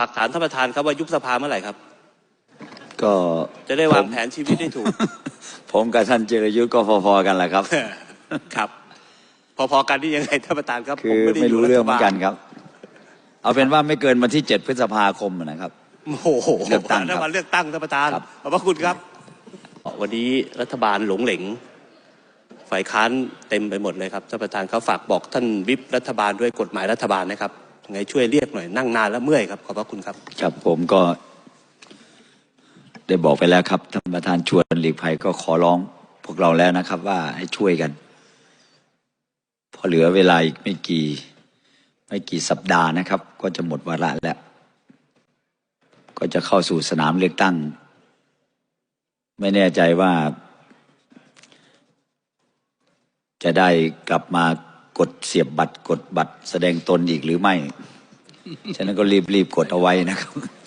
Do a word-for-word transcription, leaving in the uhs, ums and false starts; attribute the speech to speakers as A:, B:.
A: ฝากถามท่านประธานครับว่ายุบสภาเมื่อไหร่ครับ
B: ก็
A: จะได้วางแผนชีวิตได้ถูก
B: ผมกับท่านจิรยุทธ์ก็พอๆกันแหละครับ
A: ครับ พอๆกันที่ยังไงท่านประธานครับ
B: คือไม่รู้เรื่องเหมือนกันครับ เอาเป็นว่าไม่เกินวันที่เจ็ดพฤษภาคมนะครับ
A: โอ้โห
B: เลือกตั้งครับ
A: ถ้าวันเลือกตั้งท่านประธาน
B: ครับ
A: ขอบพระคุณครับ วันนี้รัฐบาลหลงเหลงฝ่ายค้านเต็มไปหมดเลยครับท่านประธานเขาฝากบอกท่านวิปรัฐบาลด้วยกฎหมายรัฐบาลนะครับยังไงช่วยเรียกหน่อยนั่งนานแล้วเมื่อยครับขอบพระคุณครับ
B: ครับผมก็ได้บอกไปแล้วครับท่านประธานชวนหลีกภัยก็ขอร้องพวกเราแล้วนะครับว่าให้ช่วยกันพอเหลือเวลาอีกไม่กี่ไม่กี่สัปดาห์นะครับ ก็จะหมดวาระแล้วก็จะเข้าสู่สนามเลือกตั้งไม่แน่ใจว่าจะได้กลับมากดเสียบบัตรกดบัตรแสดงตนอีกหรือไม่ ฉะนั้นก็รีบๆกดเอาไว้นะครับ